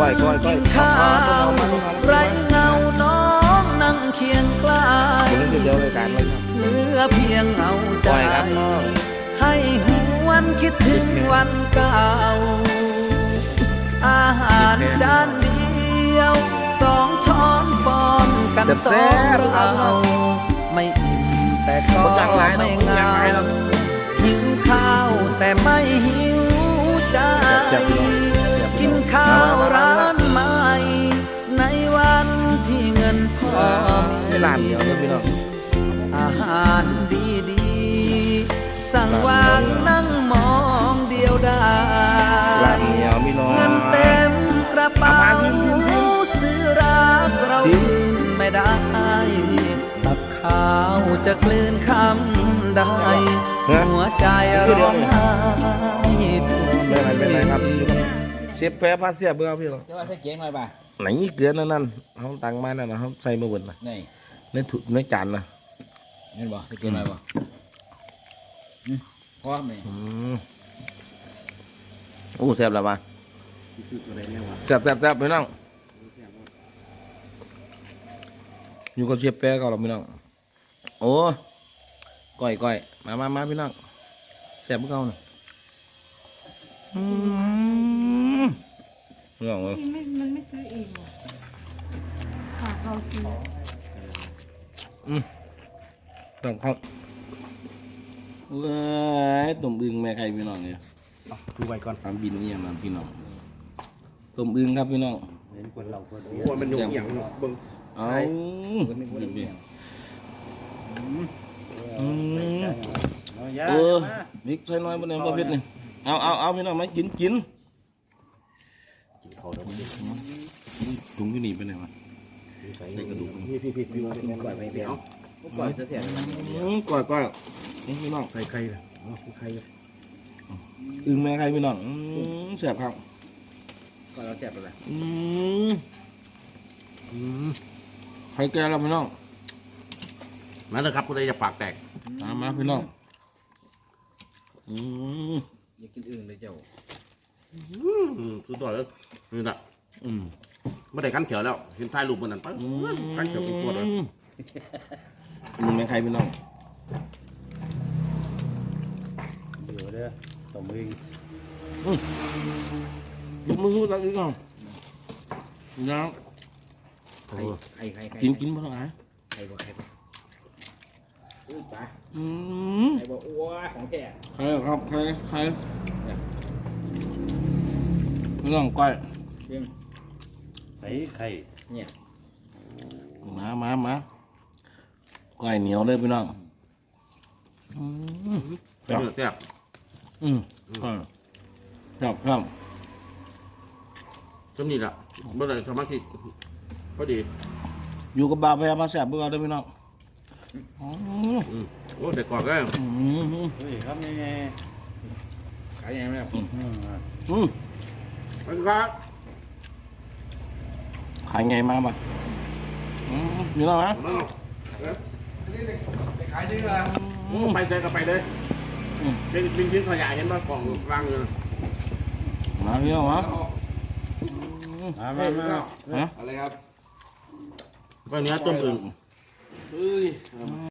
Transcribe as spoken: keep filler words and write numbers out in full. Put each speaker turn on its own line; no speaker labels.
ก้อยก้อยก้อย
ข้าวไรเงาน้องนั่งเคียงใกล้เหลือเพียงเงาใจให้หวนคิดถึงวันเก่าอาหารจานเดียวสองช้อนป้อนกันสองเราไม่อิ่มแต่ก็ไม่เหงาหิวข้าวแต่ไม่หิวใจกินข้าวร้านใหม่ในวันที่เงินพอมีร้านเดียวเลยพี่น้องอาหารดีดีสั่งวางนั่งมองเดียวได้เงินเต็มกระเป๋าซื้อรักเรากินไม่ได้ตับข้าวจะกลืนคำได้หัวใจร้องไห้
เป็นไรเป็นไรครับเชฟแพ้พาเสียเบื่อพี่หรอ
จะว่าใส่เก่งหน่อยป่ะ
ไหนนี่เกลือนั่นนั่นเขาตังมานั่นนะเขาใส่มาบนนะ
นี่
ในถุงในจานนะ
เห็นบ่ใส่เก่งหน่อยบ่พร้อมเลย
โอ้แซ่บแล้วป่ะแซ่บแซ่บแซ่บพี่น้องอยู่กับเชฟแพ้ก็หรอพี่น้องโอ้ก้อยก้อยมามามาพี่น้องแซ่บพวกเขาหน่อยอืมพี่น้องเลย
มันไม่ซื้อเองหรอฝากเขาซื้อ
อืมต้องเขาเอ้ยต้มอึ่งแม่ใครพี่น้องเนี่ย
ดูไว้ก่อน
ทำบินนี่มันพี่น้องต้มอึ่งครับพี่น้อง
เห็นคนเราคนเดียวมันยุ่งอย่างเบิ่ง
เอาเออมิกใส่น้อยบนไหนบ่เผ็ดนี่เอาเอาเอาพี่น้องมากินกินถุงที่หนีไปไหนวะในกระดูก
พี่พี่พี่พี่ก่อยไปเดียว
ก่อยจะเสีย
ก่อยก่อยนี่พี่น้อง
ใครใครล่ะใคร
อึ่งแม่ใครพี่น้องเสียบครับ
ก่อยเราเสียบไปเลย
อืมอืมใครแก่แล้วพี่น้อง
มาเลยครับกูเลยจะปากแตก
มามาพี่น้องอืม
อยากกินอึ่งเลยเจ้า
อืมสุดยอดเลยนี่แหละอืมไม่ได้กันเขียวแล้วเห็นท้ายรูปมันนั่นปั๊บกันเขียวเป็นตัวเลย
อึ่งแม่ใครพี่น้อง
เดี๋ยวเด้อต่อมือ
ยกมือขึ้นตั้งอีกก่อนน้ำ
ไข่ไข่ไข่
กินกินมาหน่อย
ไข่บ่ไข่บ่อุ้ยปลา
อืม
ไข่บ่อ้วของแท้
ใครครับใครใครเรื่องก้อย
เรื่อง
ไข่ไข่
เนี่ย
มามามาก้อยเหนียวเลยพี่น้องอืม
แซ่บแซ่บ
อืมครับครับ
จำนี่แหละเมื่อไรสมาธิพอดี
อยู่กับบาพยามาแสบเบื่อได้พี่น้อง
โอ้เด็กกอดก็
เฮ้ยครับยังไงขายยังไงครับ
อืม
ไปครับ
ขายไงมาบ้างมีแล้วนะ
ขายดีเลยไปเจอกันไปเลยเป็นเป็นชิ้นขยะเห็นว่ากล่องวางอยู่
มาพี่น้องมา
มามามาอะไรครับก็เนื้อต้มอึ่ง